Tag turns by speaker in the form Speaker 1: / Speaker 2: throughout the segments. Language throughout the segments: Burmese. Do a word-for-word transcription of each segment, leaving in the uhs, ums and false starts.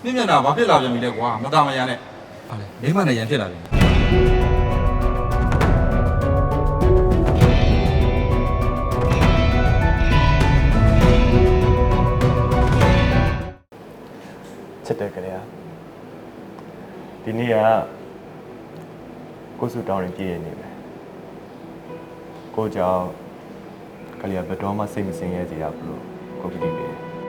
Speaker 1: မြင့်မြတ်တာဘာဖြစ်လာပြန်ပြီလဲကွာမသားမရနဲ့ဟာလေမိမနဲ့ရန်ဖြစ်လာပြီ
Speaker 2: ချစ်တယ်ကြရဒီနေ့ကကိုစုတောင်းရင်ပြည့်ရနေပဲကိုကြောင့်ကလေးကဘယ်တော့မှစိတ်မစင်ရဲစေရဘူးလို့ကိုကြည့်နေတယ်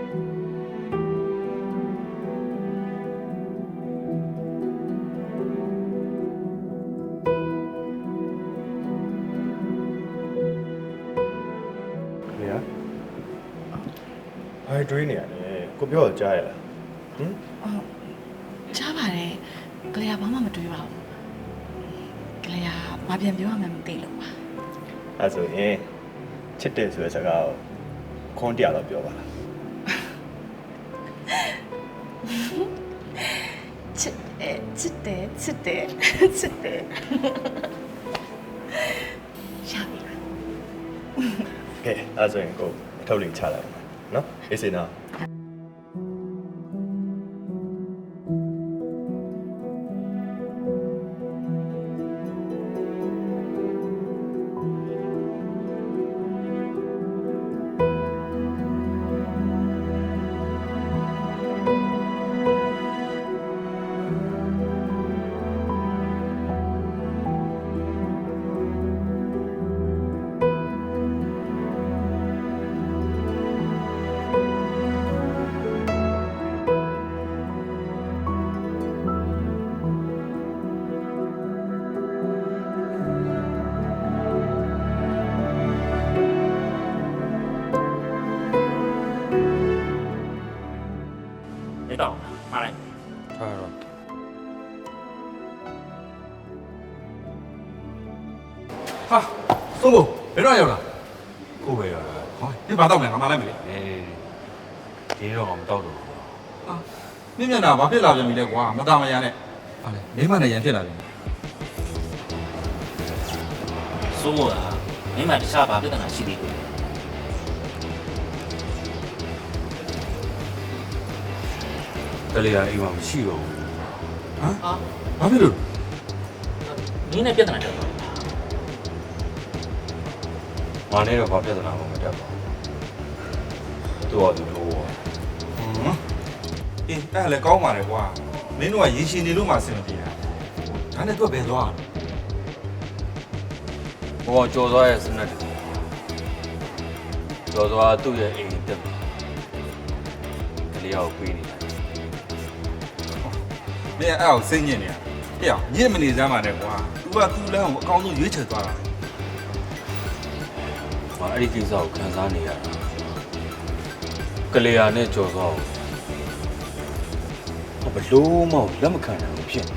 Speaker 2: ဘာတွေးနေရလဲကိုပြောတော့ကြားရလားဟင်
Speaker 3: အော်ကြားပါတယ်ကလေးကဘာမှမတွေးပါဘူးကလေးကဘာပြန်ပြောရမှန်းမသိလို့ပါ
Speaker 2: အဲ့ဆိုရင်ချစ်တယ်ဆိုတဲ့စကားကိုခွန်တရားတော့ပြောပါလား
Speaker 3: ချစ်တယ်ချစ်တယ်ချစ်တယ်ချစ်တယ်ရှာပြီလား
Speaker 2: ကဲအဲ့ဆိုရင်ကိုအထုပ်လေးချလိုက်ပါနော်အေးစေနော်
Speaker 4: တော့မှားလိုက်
Speaker 1: ထားတော့ဟာသုံးဖို့ဘယ်တော့ရောက်လာ
Speaker 5: ကိုပဲရတာ
Speaker 1: ဟောဒီဘာတော့လဲငါမလိုက်မလဲ
Speaker 5: အေးဒီတော့မတော့တော့
Speaker 1: ဟာမြင့်မြတ်တာဘာဖြစ်လာပြန်ပြီလဲကွာမသားမရနဲ့ဟာလေမိမနဲ့ရန်ဖြစ်လာပြီ
Speaker 4: စိုးမို့လားမင်းမတခြားဘာပြဿနာရှိသေးတယ်
Speaker 5: ကလေးကအိမ်မှာမရှိတော့ဘူး
Speaker 1: ဟမ်ဟာဘာဖြစ်လို့
Speaker 4: မင်းနဲ့ပြဿနာတက်သွား
Speaker 5: ငါနဲ့တော့ဘာပြဿနာမှမတက်ပါဘူးသူ့ဟာသူလို့ဟွန်း
Speaker 1: အေးအဲ့လည်းကောင်းပါလေကွာမင်းတို့ကရေရှင်နေလို့မှအဆင်မပြေတာဒါနဲ့တော့ဘယ်သွား
Speaker 5: ဘောကြော်သွားရဲ့စနက်တူကြော်သွားသူ့ရဲ့အိမ်တက်ကလေးကိုပြေးနေတာ
Speaker 1: မင်းအဲ့အောင်စိတ်ညစ်နေတာဟဲ့အောင်ညစ်မနေစမ်းပါနဲ့ကွာ तू က तू လမ်းကိုအကောင်းဆုံးရွေးချယ်သွားတာ
Speaker 5: ငါအဲ့ဒီကိစ္စကိုခံစားနေရတာကလေးယာနဲ့ကြော်သွားအောင်ဘလို့မှလက်မခံနိုင်ဘူးဖြစ်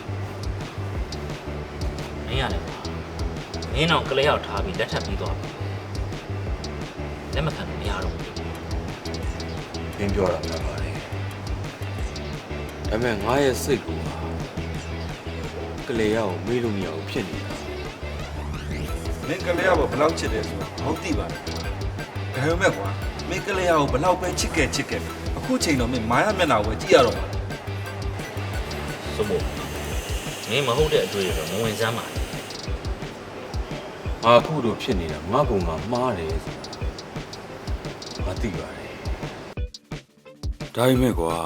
Speaker 4: နေမင်းရတယ်မင်းတော့ကလေးရောက်ထားပြီးလက်ထပ်ပြီးသွားပြီလက်မခံလို့မရတော့ဘူး
Speaker 5: ပြင်းပြောတာမှန်ပါတယ်ဒါပေမဲ့ငါရဲ့စိတ်ကကလေးယာကိုမေးလို့မရဘူးဖြစ်နေတာ
Speaker 1: မင်းကလေးယာကိုဘယ်လောက်ချစ်တယ်ဆိုတော့ဟုတ်သိပါတယ်ဒါပေမဲ့ကွာမင်းကလေးယာကိုဘယ်လောက်ပဲချစ်ခဲ့ချစ်ခဲ့အခုချိန်တော့မင်းမာရမျက်နှာကိုကြည့်ရတော့မှာ
Speaker 4: စိုးမို့မင်းမဟုတ်တဲ့အတွေ့အကြုံမဝင်စမ်းပါနဲ့
Speaker 5: ငါအခုလိုဖြစ်နေတာငါဘုံကမှားတယ်ဆိုတာငါသိပါတယ်ဒါပေမဲ့ကွာ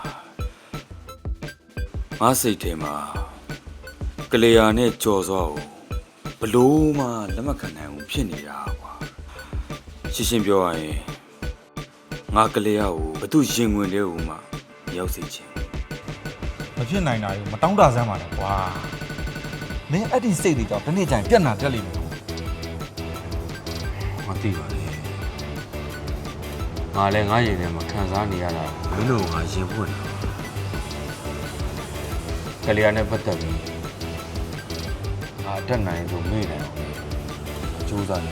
Speaker 5: ငါစိတ်ထဲမှာကလေးယာနဲ့ကြော်စောကိုဘလို့မှလက်မခံနိုင်ဘူးဖြစ်နေတာကွာရှင်းရှင်းပြောရရင်ငါကလေးယာကိုဘသူရင်ဝင်တဲ့ဦးမှရောက်စေချင်
Speaker 1: မဖြစ်နိုင်တာကြီးမတောင်းတဆန်းပါနဲ့ကွာမင်းအဲ့ဒီစိတ်တွေကြောင့်ဒီနေ့ကျရင်ပြက်နာတက်လိမ့်မယ်
Speaker 5: မသိပါနဲ့ငါလည်းငါရင်ထဲမှာခံစားနေရတာမင်းတို့ငါရင်ဖွင့်ကလေးယာနဲ့ပတ်သက်ပြီးငါတက်နိုင်လို့မေ့တယ်ကြိုးစားနေ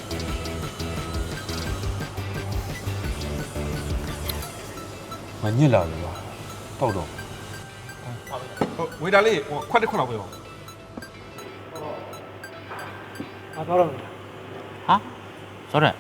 Speaker 5: မညစ်လာလို့ပါတောက်တော့
Speaker 1: ဟုတ်ဝေတာလေးဟိုခွက်တစ်ခွက်လောက်ပဲပါ
Speaker 4: ဟာတော့တော့ဟာဆိုတော့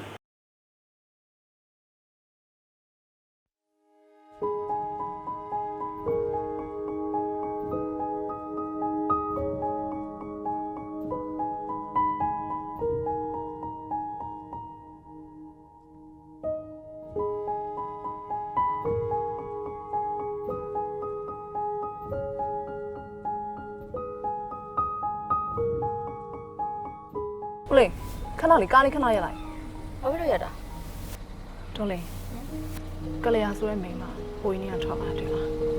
Speaker 6: ကိုလေးခဏလေးကားလေးခဏရက်လိုက်
Speaker 7: ဘာဖြစ်လို့ရတာ
Speaker 6: တော်လေးကလေးရဆိုရဲမိန်းမဟိုရင်းနေကထွက်လာတယ်လား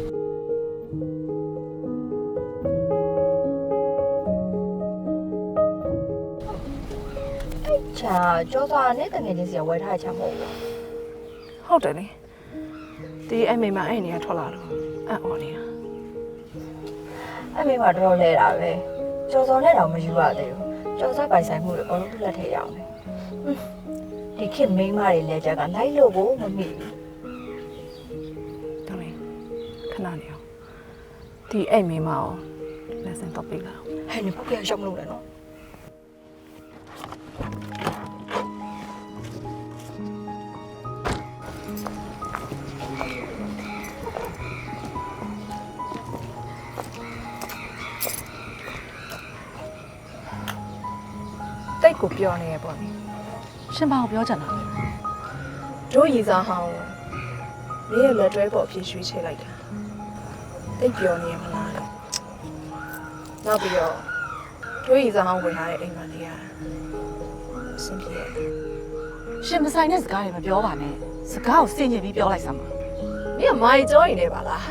Speaker 7: အဲ့ချာကြောစားနဲ့တငယ်ချင်းစီကဝယ်ထားတဲ့ချာမဟုတ်ဘူး
Speaker 6: ဟုတ်တယ်လေဒီအဲ့မိန်းမအဲ့နေကထွက်လာလို့အံ့ဩနေတာ
Speaker 7: အဲ့မိမတော်တော်လဲတာပဲကြောစော်နဲ့တော့မယူရသေးဘူးကြောစားပိုင်ဆိုင်မှုတွေအကုန်လုံးသူ့လက်ထဲရအောင်လေဒီခေတ်မိန်းမတွေလက်ချက်ကလိုက်လို့ကိုမမိဘူး
Speaker 6: တော်လေးခဏနေအောင်ဒီအဲ့မိန်းမကိုလက်စင်တော့ပြေးလာ
Speaker 7: ဟဲ့နေပုတ်ရရောက်မလို့လည်းနော်
Speaker 6: တိတ်ကိုပြောနေရပေါ့နိ
Speaker 3: ရှင်ဘာကိုပြောချင်တာလဲ
Speaker 6: တို့ရည်စားဟောင်းမင်းရဲ့လက်တွဲပေါ်အဖြစ်ရွှေ့ချလိုက်တာတိတ်ပြောနေရမလားနောက်ပြီးတော့တို့ရည်စားဟောင်းဝင်လာတဲ့အိမ်မလေးကအဆင်ပြေတယ်
Speaker 3: ရှင်မဆိုင်တဲ့စကားတွေမပြောပါနဲ့စကားကိုစင်ကြင်ပြီးပြောလိုက်စမ်းပါ
Speaker 6: မင်းကမိုင်ကြောရင်နေပါလား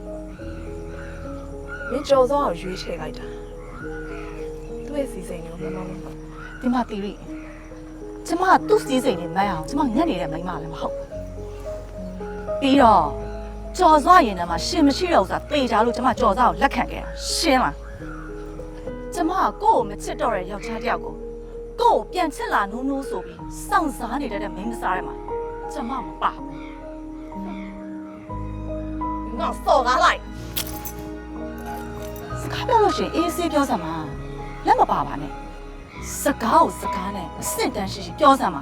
Speaker 6: မင်းကြော်စောအောင်ရွေးချယ်လိုက်တာသူ့ရဲ့စီစိန်ကိုမမမ
Speaker 3: ဒီမှာတီရီကျမကသူ့စီးစိမ်နေမအောင်ကျမညက်နေတဲ့မိန်းမလည်းမဟုတ်ပြီးတော့ကြော်စွာရင်ထဲမှာရှင်မရှိတော့ဆိုတာတေချာလို့ကျမကြော်စွာကိုလက်ခံခဲ့တာရှင်းလားကျမကကိုယ့်ကိုမချစ်တော့တဲ့ယောက်ျားတစ်ယောက်ကိုကိုယ့်ကိုပြန်ချစ်လာနိုးနိုးဆိုပြီးစောင့်စားနေတဲ့မိန်းမစားထဲမှာကျမမပါဘူး
Speaker 6: ငါစော်ကားလိုက်
Speaker 3: စကားပြောလို့ရှိရင်အေးဆေးပြောစမ်းပါလက်မပါပါနဲ့စကားကိုစကားနဲ့အဆင့်တန်းရှိရှိပြောစမ်းပါ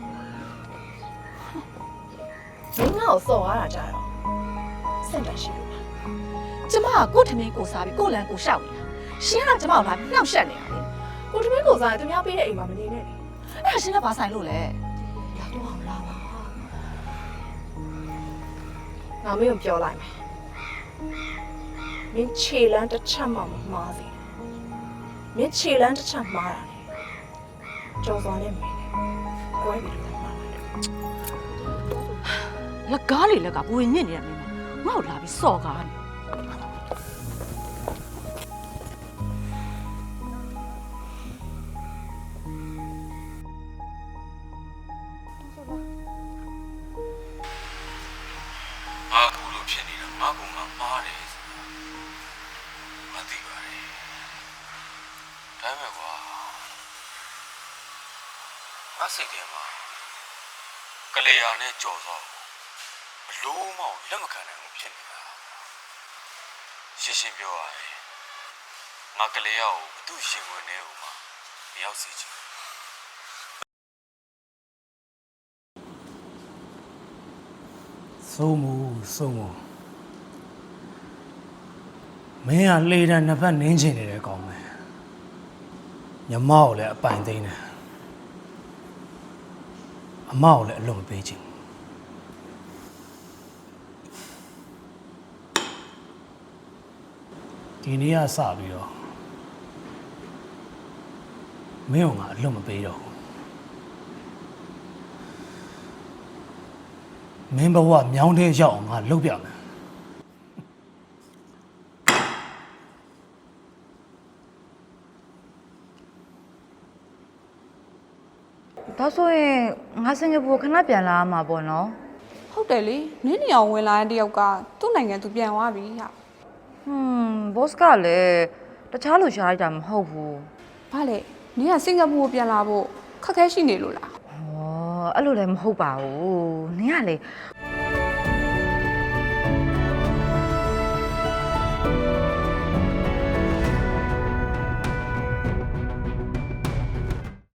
Speaker 6: မင်းငါ့ကိုစော်ကားတာကြတော့စင်တရှိလို့ပါ
Speaker 3: ကျမကကို့ထမင်းကိုစားပြီးကို့လန်ကိုရှောက်နေတာရှင်းကကျမကိုလာပြီးနှောက်ရှက်နေတာလေ
Speaker 6: ကိုတမင်းကိုစားရင်သူများပေးတဲ့အိမ်မှာမနေနဲ့လေ
Speaker 3: အဲ့ဒါရှင်းကဘာဆိုင်လို့လဲ
Speaker 6: လာတော့အောင်လာပါငါမင်းကိုပြောလိုက်မယ်မင်းခြေလန်းတစ်ချက်မှမမှားစေမင်းခြေလန်းတစ်ချက်မှားတာလေကြော်စော်နဲ့မင်းနဲ့ကိုယ်ပြီးတော့မှားတယ်
Speaker 3: လက်ကားလေလက်ကဘူရင်ညစ်နေတဲ့မိန်းမငါ့ကိုလာပြီးစော်ကားနေ
Speaker 5: ငါအခုလိုဖြစ်နေတာငါကငါမားတယ်မသိပါနဲ့ဒါပေမဲ့ကွာငါစိတ်ထဲမှာကလေးယာနဲ့ကြော်စောဘလို့မှလက်မခံနိုင်ဘူးဖြစ်နေတာရှင်းရှင်းပြောရရင်ငါကလေးယာကိုဘသူရှင်ဝင်နေဦးမှာမရောက်စေချင်
Speaker 8: စိုးမှုစိုးမှုမင်းကလေတံနှစ်ဖက်နင်းချင်နေတယ်ကောင်းမယ်ညမောက်ကိုလည်းအပိုင်သိမ်းတယ်အမောက်ကိုလည်းအလွန်မပေးချင်ဒီနေ့ကစပြီးတော့မင်းကငါအလွန်မပေးတော့ဘူးမင်းဘဝမြောင်းတဲ့ရောက်အောင်ငါလုပ်ပြမယ်
Speaker 9: ဒါဆိုရင်ငါစင်ကာပူခဏပြန်လာမှာပေါ့နော်
Speaker 10: ဟုတ်တယ်လေနင်းနေအောင်ဝင်လာတဲ့တယောက်ကသူ့နိုင်ငံသူပြန်သွားပြီဟာ
Speaker 9: ဟွန်းဘော့စ်ကလည်းတခြားလူရှားလိုက်တာမဟုတ်ဘူး
Speaker 10: ဘာလဲနင်းကစင်ကာပူကိုပြန်လာဖို့ခက်ခဲရှိနေလို့လား
Speaker 9: ဟောအဲ့လိုလည်းမဟုတ်ပါဘူးနင်ကလေ